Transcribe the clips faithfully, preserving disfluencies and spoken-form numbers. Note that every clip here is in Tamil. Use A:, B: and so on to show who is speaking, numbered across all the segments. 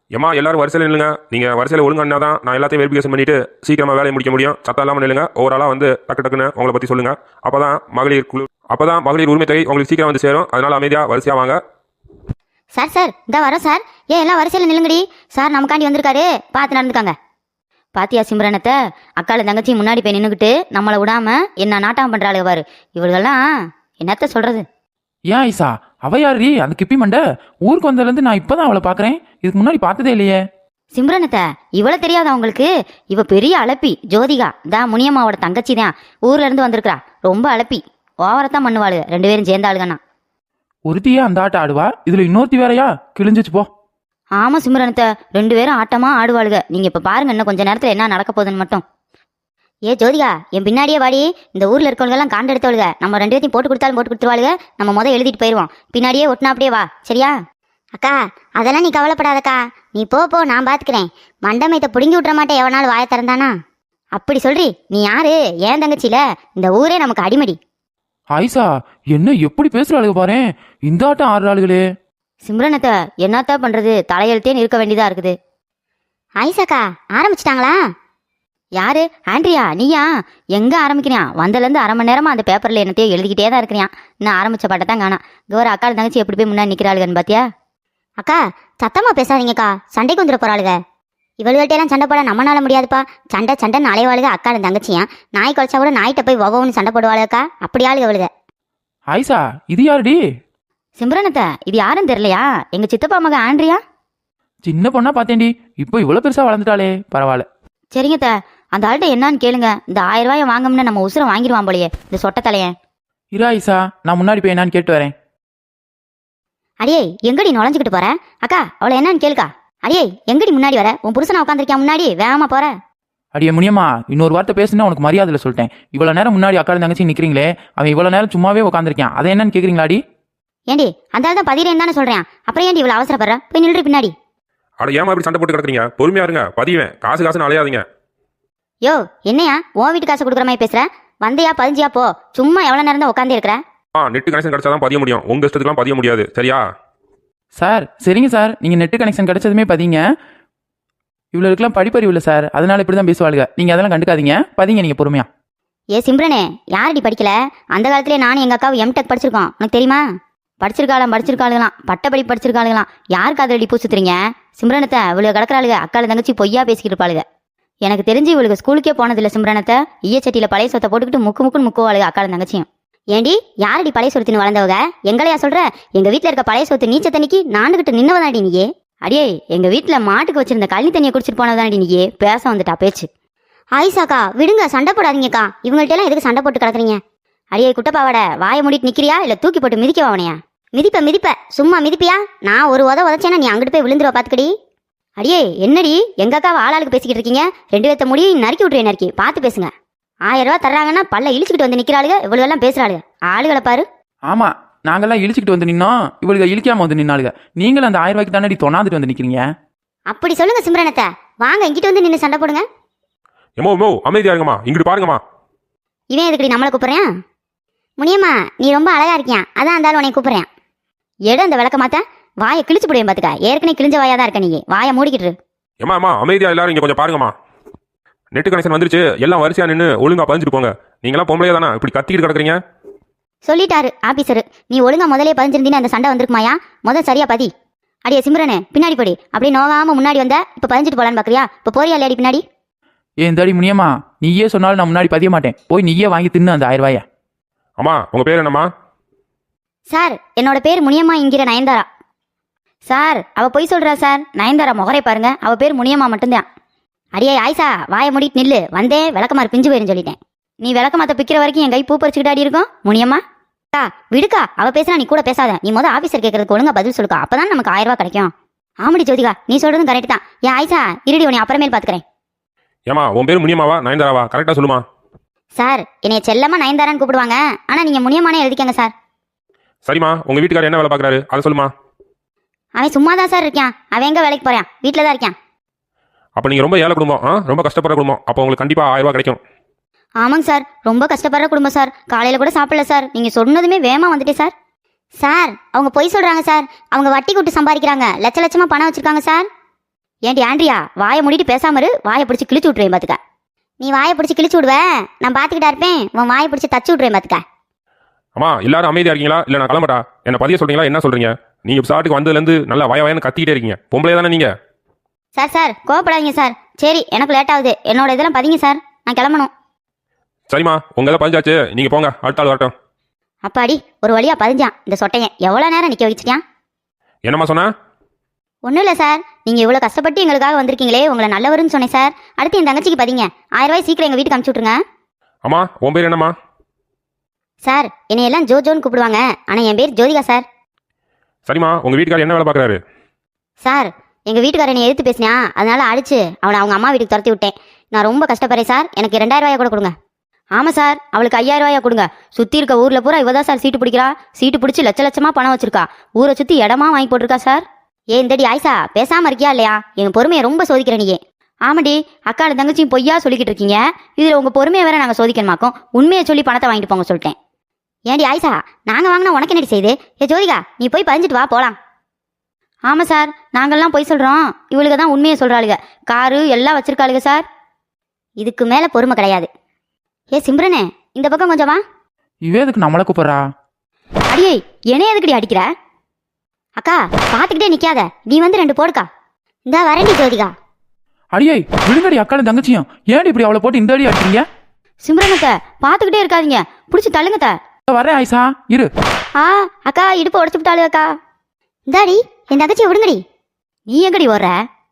A: ஏமா எல்லாரும் வரிசையில் நில்லுங்க. நீங்கள் வரிசையில் ஒழுங்கா தான் நான் எல்லாத்தையும் வெரிஃபிகேஷன் பண்ணிட்டு சீக்கிரமாக வேலையை முடிக்க முடியும். சத்தம் இல்லாமல் நில்லுங்க. ஓவராலாக வந்து டக்கு டக்குன்னு உங்களை பற்றி சொல்லுங்க. அப்போ தான் மகளிர் குழு அப்போ தான் மகளிர் உரிமை தொகை உங்களுக்கு சீக்கிரம் வந்து சேரும். அதனால அமைதியாக வரிசையாக வாங்க.
B: சார் சார் இந்த வரோம் சார். ஏன் எல்லாம் வரிசையில் நில்லுங்கடி. சார் நமக்காண்டி வந்திருக்காரு, பார்த்து நடந்துக்காங்க. பாத்தியா சிம்ரனத்தை, அக்கால தங்கச்சி முன்னாடி போய் நின்றுக்கிட்டு நம்மளை விடாம என்ன நாட்டம் பண்றாளு பாரு. இவளுகெல்லாம் என்னத்த சொல்றது.
C: ஏன் ஐசா, அவ யாரு அந்த கிப்பி மண்டை? ஊருக்கு வந்ததுலேருந்து நான் இப்பதான் அவளை பாக்குறேன். இதுக்கு முன்னாடி பார்த்ததே இல்லையே.
B: சிம்ரனத்தை இவளை தெரியாதா உங்களுக்கு? இவ பெரிய அழப்பி ஜோதிகா தான், முனியம்மாவோட தங்கச்சி தான். ஊர்ல இருந்து வந்திருக்கா. ரொம்ப அழப்பி, ஓவரத்தான் பண்ணுவாளுங்க ரெண்டு பேரும் சேர்ந்தாளுகண்ணா.
C: ஒருத்தியே அந்த ஆட்டம் ஆடுவா, இதுல இன்னொருத்தி வேறையா? கிழிஞ்சிச்சு போ.
B: ஆமா சிம்ரனத்தை, ரெண்டு பேரும் ஆட்டமா ஆடுவாளுக. நீங்க இப்ப பாருங்க இன்னும் கொஞ்ச நேரத்துல என்ன நடக்க போகுதுன்னு மட்டும். ஏ ஜோதிகா, என் பின்னாடியே வாடி. இந்த ஊர்ல இருக்கவங்கெல்லாம் காண்டு எடுத்தவளுக. நம்ம ரெண்டு பேர்த்தையும் போட்டு கொடுத்தாலும் போட்டு கொடுத்துருவாளுக. நம்ம முதல் எழுதிட்டு போயிடுவோம். பின்னாடியே ஒட்டினா அப்படியே வா, சரியா? அக்கா அதெல்லாம் நீ கவலைப்படாதக்கா. நீ போ போ, நான் பாத்துக்கிறேன். மண்டமயத்தை பிடுங்கி விட்டுற மாட்டேன் எவனாலும் வாய திறந்தானா. அப்படி சொல்றி? நீ யாரு? ஏன் தங்கச்சியில இந்த ஊரே நமக்கு அடிமடி.
C: ஐசா என்ன எப்படி பேசுறாளுக பாரு. இந்த ஆட்டம் ஆடுறாளுகளே.
B: சிம்ரனத்தை என்னத்தா பண்றது, தலையெழுத்தேன்னு இருக்க வேண்டியதா இருக்குது. ஐசாக்கா ஆரம்பிச்சிட்டாங்களா? யாரு? ஆண்ட்ரியா நீயா? எங்க ஆரம்பிக்கிறியா? வந்ததுலேருந்து அரை மணி நேரமா அந்த பேப்பர்ல என்னத்தையோ எழுதிக்கிட்டே தான் இருக்கிறியான். இன்னும் ஆரம்பிச்ச பாட்டை தான் காணா. கௌர அக்கா தங்கச்சி எப்படி போய் முன்னாடி நிக்கிறாளுகன்னு பாத்தியா? அக்கா சத்தமா பேசாதீங்கக்கா, சண்டைக்கு வந்துட போறாளுக. இவளுகிட்டையெல்லாம் சண்டை போட நம்மளால முடியாதுப்பா. சண்டை சண்டைன்னு அலைவாளுக அக்கா தங்கச்சியா. நாய் குலைச்சா கூட நாய்கிட்ட போய் ஒவ்வொன்னு சண்டை போடுவாளுக்கா. அப்படி ஆளுக அவளுக.
C: ஐசா இது யாருடி?
B: சிம்ரனத்தை இது யாருன்னு தெரியலையா? எங்க சித்தப்பா மக ஆண்ட்ரியா.
C: சின்ன பொண்ணா பார்த்தேன்டி, இப்போ இவ்வளவு பெருசா வளர்ந்துட்டாளே, பரவாயில்ல.
B: சரிங்க, அந்த ஆள்கிட்ட என்னன்னு கேளுங்க. இந்த ஆயிரம் ரூபாயை வாங்கணும்னு நம்ம உசுரை வாங்கிடுவான் போலயே இந்த சொட்ட தலையன்.
C: இரா ஐசா, நான் முன்னாடி போய் என்னன்னு கேட்டு வரேன்.
B: அடியே எங்கடி நுழைஞ்சுக்கிட்டு போற? அக்கா அவளை என்னன்னு கேளுக்கா. அடியே எங்கடி முன்னாடி வர? உன் புருஷனை உட்காந்துருக்கியா முன்னாடி, வேகமா போற.
C: அடியே முனியம்மா, இன்னொரு வார்த்தை பேசுனா உனக்கு மரியாதையில சொல்லிட்டேன். இவ்வளவு நேரம் முன்னாடி அக்கா தங்கச்சி நிக்கிறீங்களே, அவன் இவ்வளவு நேரம் சும்மாவே உட்காந்துருக்கான். அதை என்னன்னு கேக்குறீங்களாடி?
B: ஏண்டி அந்த ஆள் தான் பதிரேன்னு தானே சொல்றேன். அப்புறம் ஏண்டி இவ்வளவு அவசரப்படுற? போய் நின்று பின்னாடி.
A: அட ஏமா இப்படி சண்டை போட்டு கிடக்குறீங்க? பொறுமையா இருங்க, பதிவேன். காசு காசுன்னு அலையாதீங்க.
B: யோ என்னையா உன் வீட்டு காசு கொடுக்குற மாதிரி பேசுற? வந்தையா பதிஞ்சியா போ. சும்மா எவ்வளவு நேரம் தான் உட்காந்து இருக்கிற?
A: ஆ நெட் கனெக்ஷன் கிடைச்சாதான் பதிய முடியும். உங்க இஷ்டத்துக்குலாம் பதிய முடியாது, சரியா?
C: சார் சரிங்க சார், நீங்க நெட்டு கனெக்ஷன் கிடைச்சதுமே பதிங்க. இவ்வளவுக்குலாம் படிப்பறிவு இல்லை சார், அதனால இப்படிதான் பேசுவாளுங்க. நீங்க அதெல்லாம் கண்டுக்காதீங்க, பதிங்க நீங்க பொறுமையா.
B: ஏ சிம்ரனே, யாரடி படிக்கல? அந்த காலத்திலே நானும் எங்க அக்காவும் எம்டெக் படிச்சிருக்கோம், உனக்கு தெரியுமா? படிச்சிருக்காளாம் படிச்சிருக்காளுங்களாம் பட்டப்படி படிச்சிருக்காளுங்களாம். யாருக்கு அதில் அடி பூசுத்துறீங்க? சிம்ரனத்தை இவ்வளவு கிடக்குறாளுங்க அக்கால தங்கச்சி பொய்யா பேசிக்கிட்டு இருப்பாளுங்க. எனக்கு தெரிஞ்சு இவளுக்கு ஸ்கூலுக்கே போனதில்லை சிம்ரனத்தை. ஈயச்சட்டியில பழைய சொத்தை போட்டுக்கிட்டு முக்கு முக்குன்னு முக்குவாளுங்க அக்கால தங்கச்சியும். ஏண்டி யாரடி பழைய சொத்துன்னு வளர்ந்தவங்க? எங்களையா சொல்ற? எங்க வீட்டுல இருக்க பழைய சொத்து நீச்ச தண்ணிக்கு நாண்டுகிட்டு நின்னவதாடி நீயே. அடியே எங்க வீட்டுல மாட்டுக்கு வச்சிருந்த கள்ளி தண்ணியை குடிச்சிட்டு போனதாடி நீயே. பேச வந்துட்டா பேச்சு. ஆயிசாக்கா விடுங்க, சண்டை போடாதீங்கக்கா. இவங்கள்ட்ட எல்லாம் எதுக்கு சண்டை போட்டு கிடக்குறீங்க? அடியே குட்டப்பாவோட வாயை மூடிட்டு நிக்கிறியா இல்ல தூக்கி போட்டு மிதிக்க அவனையா? மிதிப்ப மிதிப்ப சும்மா மிதிப்பியா? நான் ஒரு உத உதச்சேன்னா நீ அங்கிட்டு போய் விழுந்துருவ பாத்துக்கடி. அடியே என்னடி எங்க அக்காவை ஆளாளுக்கு பேசிக்கிட்டு இருக்கீங்க? ரெண்டு பேர்த்த முடியும் நறுக்கி விட்டுருவேன். நறுக்கி பார்த்து பேசுங்க. ஆயிரம் ரூபா தர்றாங்கன்னா பல்ல இழிச்சுக்கிட்டு வந்து நிக்கிறாளுங்க. இவ்வளவு எல்லாம் பேசுறாளுங்க. ஆளுகளை பாரு.
C: ஆமா, நாங்கெல்லாம் இழிச்சுக்கிட்டு வந்து நின்னோம், இவளுக்கு இழிக்காம வந்து நின்னாளுங்க. நீங்களும் அந்த ஆயிரம் ரூபாய்க்கு தானே தொண்ணாந்துட்டு வந்து நிக்கிறீங்க.
B: அப்படி சொல்லுங்க சிம்ரனத்தை. வாங்க இங்கிட்டு வந்து நின்று சண்டை போடுங்க.
A: எமோ மோ அமைதியா இருங்கம்மா, இங்கிட்டு பாருங்கம்மா.
B: இவன் எதுக்கடி நம்மளை கூப்பிடுறேன்? முனியம்மா நீ ரொம்ப அழகா இருக்கியா, அதான் இருந்தாலும் உன்னை கூப்பிடுறேன். எடு அந்த விளக்க மாத்த. வாயை கிழிச்சு போடுவேன் பாத்துக்க. ஏற்கனவே கிழிஞ்ச வாயா தான் இருக்க. நீங்க வாயை மூடிக்கிட்டு.
A: ஏமா அம்மா அமைதியா எல்லாரும் இங்க கொஞ்சம் பாருங்கம்மா. நெட் கனெக்ஷன் வந்துருச்சு, எல்லாம் வரிசையா நின்று ஒழுங்கா பதிஞ்சிட்டு போங்க. நீங்களாம் பொம்பளையா தானே இப்படி கத்திக்கிட்டு கிடக்குறீங்க?
B: சொல்லிட்டாரு ஆபீசர். நீ ஒழுங்கா முதலே பதிஞ்சிருந்தீன்னு அந்த சண்டை வந்திருக்குமாயா? முதல் சரியா பதி. அடியே சிம்ரனே பின்னாடி போடி. அப்படி நோகாம முன்னாடி வந்த இப்ப பதிஞ்சிட்டு போலான்னு பாக்குறியா? இப்ப போறியா இல்லையாடி பின்னாடி?
C: ஏன் தாடி முனியம்மா, நீயே சொன்னாலும் நான் முன்னாடி பதிய மாட்டேன். போய் நீயே வாங்கி தின்னு அந்த ஆயிரம் ரூபாய.
A: அம்மா உங்க பேர் என்னம்மா?
B: சார் என்னோட பேர் முனியம்மா என்கிற நயன்தாரா. சார் அவ பொய் சொல்றா சார். நயன்தாரா முகரை பாருங்க, அவ பேர் முனியம்மா மட்டும்தான். அடியே ஆயிசா வாயை மூடிட்டு நில்லு. வந்தே விளக்கமாறு பிஞ்சு போயிருன்னு சொல்லிட்டேன். நீ விளக்கமாத்த பிக்கிற வரைக்கும் என் கை பூ பறிச்சுக்கிட்டு ஆடி இருக்கும். முனியம்மா அக்கா விடுக்கா, அவ பேசினா நீ கூட பேசாத. நீ முதல் ஆபீசர் கேட்கறதுக்கு ஒழுங்கா பதில் சொல்லுக்கா, அப்பதான் நமக்கு ஆயிரம் ரூபாய் கிடைக்கும். ஆமடி ஜோதிகா நீ சொல்றதும் கரெக்ட் தான். ஏன் ஆயிசா இருடி, உன்னை அப்புறமேல் பாத்துக்கிறேன்.
A: ஏமா உன் பேர் முனியம்மாவா நயன்தாராவா? கரெக்டா சொல்லுமா.
B: சார் என்னைய செல்லமா நயன்தாரான்னு கூப்பிடுவாங்க, ஆனா நீங்க முனியம்மானே எழுதிக்கங்க சார்.
A: சரிம்மா, உங்க வீட்டுக்காரர் என்ன வேலை பாக்குறாரு அதை சொல்லுமா.
B: அவன் சும்மா தான் சார் இருக்கான். அவன் எங்க வேலைக்கு போறான்? வீட்டுல தான் இருக்கான்.
A: அப்ப நீங்க ரொம்ப ஏழை குடும்பம், ரொம்ப கஷ்டப்படுற குடும்பம். அப்போ உங்களுக்கு கண்டிப்பா ஆயிரம் ரூபாய் கிடைக்கும்.
B: ஆமாங்க சார், ரொம்ப கஷ்டப்படுற குடும்பம் சார். காலையில கூட சாப்பிடல சார். நீங்க சொன்னதுமே வேகமா வந்துட்டேன் சார். சார் அவங்க பொய் சொல்றாங்க சார். அவங்க வட்டி கூட்டு சம்பாதிக்கிறாங்க. லட்ச லட்சமா பணம் வச்சிருக்காங்க சார். ஏன்டி ஆண்ட்ரியா வாயை மூடிட்டு பேசாம இரு, வாயை பிடிச்சி கிழிச்சு விட்ருவேன் பார்த்துக்க. நீ வாயை பிடிச்சி கிழிச்சு விடுவ, நான் பார்த்துக்கிட்டா இருப்பேன். உன் வாயை பிடிச்சி தச்சு விட்ருவேன் பார்த்துக்க.
A: அம்மா எல்லாரும் அமைதியா இருக்கீங்களா இல்லை நான் கிளம்பட்டா? என்ன பதிய சொல்றீங்களா என்ன சொல்றீங்க? நீங்க சாட்டுக்கு வந்ததுலேருந்து நல்லா வய வயன்னு கத்திக்கிட்டே இருக்கீங்க. பொம்பளை தானே நீங்க?
B: சார் சார் கோவப்படாதீங்க சார். சரி எனக்கு லேட் ஆகுது, என்னோட இதெல்லாம் பதிங்க சார், நான் கிளம்பணும்.
A: சரிம்மா உங்க இதை பதிஞ்சாச்சு, நீங்க போங்க, அடுத்த ஆள் வரட்டும்.
B: அப்பாடி ஒரு வழியா பதிஞ்சான் இந்த சொட்டையன். எவ்வளோ நேரம் நிற்க வச்சுட்டான்?
A: என்னம்மா சொன்ன?
B: ஒன்றும் இல்லை சார், நீங்கள் இவ்வளோ கஷ்டப்பட்டு எங்களுக்காக வந்திருக்கீங்களே, உங்களை நல்லவருன்னு சொன்னேன் சார். அடுத்து என் தங்கச்சிக்கு பதிங்க. ஆயிரம் ரூபாய் சீக்கிரம் எங்கள் வீட்டுக்கு அனுப்பிச்சி விட்ருங்க.
A: அம்மா உன் பேர் என்னம்மா?
B: சார் என்னையெல்லாம் ஜோ ஜோன்னு கூப்பிடுவாங்க, ஆனால் என் பேர் ஜோதிகா சார்.
A: சரிம்மா உங்க வீட்டுக்காரர் என்ன வேலை பார்க்குறாரு?
B: சார் எங்கள் வீட்டுக்காரர் என்னை எதிர்த்து பேசினா, அதனால அடிச்சு அவனை அவங்க அம்மா வீட்டுக்கு துரத்தி விட்டேன். நான் ரொம்ப கஷ்டப்படுறேன் சார், எனக்கு ரெண்டாயிரம் ரூபாயா கூட கொடுங்க. ஆமாம் சார், அவளுக்கு ஐயாயிரம் ரூபாயா கொடுங்க. சுற்றி இருக்க ஊரில் பூரா இவ தான் சார் சீட்டு பிடிக்கிறா. சீட்டு பிடிச்சி லட்ச லட்சமாக பணம் வச்சிருக்கா. ஊரை சுற்றி இடமா வாங்கி போட்டிருக்கா சார். ஏ இந்தடி ஆயிஷா பேசாமல் இருக்கியா இல்லையா? என் பொறுமையை ரொம்ப சோதிக்கிற நீயே. ஆமாடி அக்கால தங்கச்சியும் பொய்யா சொல்லிக்கிட்டு இருக்கீங்க. இதில் உங்கள் பொறுமையை வேற நாங்கள் சோதிக்கணுமாக்கும். உண்மையை சொல்லி பணத்தை வாங்கிட்டு போங்க சொல்லிட்டேன். ஏன்டி ஆயிஷா நாங்கள் வாங்கினா உனக்கு என்னடி செய்யுது? ஏ ஜோதிகா நீ போய் பதிஞ்சிட்டு வா போகலாம். ஆமாம் சார் நாங்கள்லாம் போய் சொல்கிறோம், இவளுக்கு தான் உண்மையை சொல்கிறாளுங்க. காரு எல்லாம் வச்சிருக்காளுங்க சார். இதுக்கு மேலே பொறுமை கிடையாது. ஏ சிம்ரனே இந்த பக்கம் கொஞ்சம் வா.
C: இவே எதுக்கு நம்மளை கூப்பிட்றா?
B: அடியே என்னைய எதுக்குடி அடிக்கிற? அக்கா பார்த்துக்கிட்டே நிற்காத, நீ வந்து ரெண்டு போடுக்கா. இந்தா வரண்டி ஜோதிகா.
C: அடியே விழுங்கடி அக்காலும் தங்கச்சியும். ஏன்டி இப்படி அவளை போட்டு இந்த அடி அடிக்கிறீங்க?
B: சிம்ரனத்தை பார்த்துக்கிட்டே இருக்காதீங்க, பிடிச்சி தள்ளுங்கத்த.
C: வரேன் ஆயிஷா இரு.
B: ஆ அக்கா இடுப்பு உடச்சு விட்டாளு அக்கா. இந்தாடி என் தங்கச்சியை விடுங்கடி. நீ எங்கடி ஓடுற?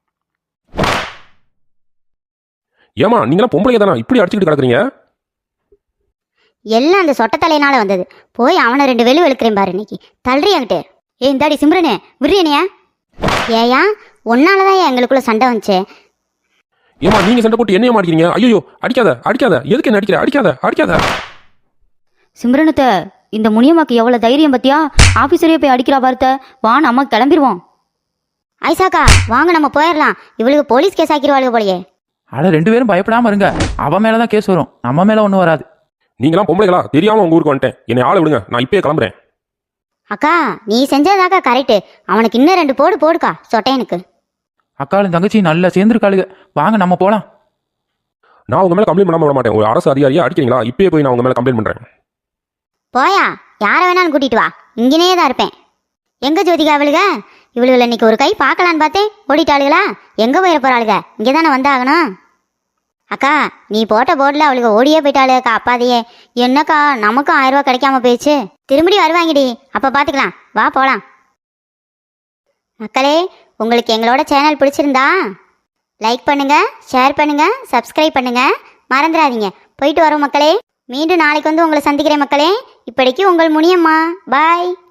A: ஏமா நீங்களாம் பொம்பளைங்க தானே இப்படி அடிச்சுக்கிட்டு கிடக்குறீங்க?
B: எல்லாம் அந்த சொட்ட தலையினால வந்தது. போய் அவனை ரெண்டு வெளு வெளுக்கிறேன் பாரு இன்னைக்கு. தள்ளுறி என்கிட்ட. ஏ இந்தாடி சிம்ரனே விடுறியனையா? ஏயா ஒன்னாலதான் எங்களுக்குள்ள சண்டை வந்துச்சு.
A: ஏமா நீங்க சண்டை போட்டு என்னைய மாட்டிக்கிறீங்க? ஐயோ அடிக்காத அடிக்காத, எதுக்கு என்ன அடிக்கிற? அடிக்காத அடிக்காத.
B: சிம்ரனத்தை இந்த முனியம்மாக்கு எவ்வளவு தைரியம் பத்தியா? ஆபீசரே போய் அடிக்கிறா பார்த்த. வா நம்ம கிளம்பிடுவோம். ஐசாக்கா வாங்க நம்ம போயிடலாம், இவளுக்கு போலீஸ் கேஸ் ஆக்கிடுவாளுங்க போலயே.
C: அட ரெண்டு பேரும் பயப்படாம இருங்க, அவன் மேலதான் கேஸ் வரும், நம்ம மேல ஒன்றும் வராது.
A: நீங்களாம் பொம்பளைகளா? தெரியாம உங்க ஊருக்கு வந்துட்டேன், என்னை ஆளை விடுங்க, நான் இப்பயே கிளம்புறேன்.
B: அக்கா நீ செஞ்சதாக்கா கரெக்டு. அவனுக்கு இன்னும் ரெண்டு போடு போடுக்கா சொட்டையனுக்கு.
C: அக்காலும் தங்கச்சி நல்லா சேர்ந்துருக்காளுங்க, வாங்க நம்ம போலாம்.
A: நான் உங்க மேல கம்ப்ளைண்ட் பண்ணாம விட மாட்டேன். ஒரு அரசு அதிகாரியா அடிக்கிறீங்களா? இப்பயே போய் நான் உங்க மேல கம்ப்ளைண்ட் பண்றேன்.
B: போயா யாரை வேணாலும் கூட்டிட்டு வா, இங்கனே தான் இருப்பேன். எங்க ஜோதிகா அவளுக? இவளுகளை இன்னைக்கு ஒரு கை பார்க்கலான்னு பார்த்தேன், ஓடிட்டாளுகளா? எங்க போயிட போறாளுக? இங்கே தானே வந்தாகணும். அக்கா நீ போட்ட போர்டில் அவளுக்கு ஓடியே போயிட்டாளுக்கா. அப்பாதையே என்னக்கா நமக்கும் ஆயிரம் ரூபா கிடைக்காம போயிடுச்சு. திரும்படி வருவாங்கடி, அப்போ பார்த்துக்கலாம், வா போகலாம். மக்களே உங்களுக்கு எங்களோட சேனல் பிடிச்சிருந்தா லைக் பண்ணுங்க, ஷேர் பண்ணுங்க, சப்ஸ்கிரைப் பண்ணுங்க, மறந்துடாதீங்க. போயிட்டு வரோம் மக்களே. மீண்டும் நாளைக்கு வந்து உங்களை சந்திக்கிறேன் மக்களே. இப்படிக்கு உங்கள் முனியம்மா. பாய்.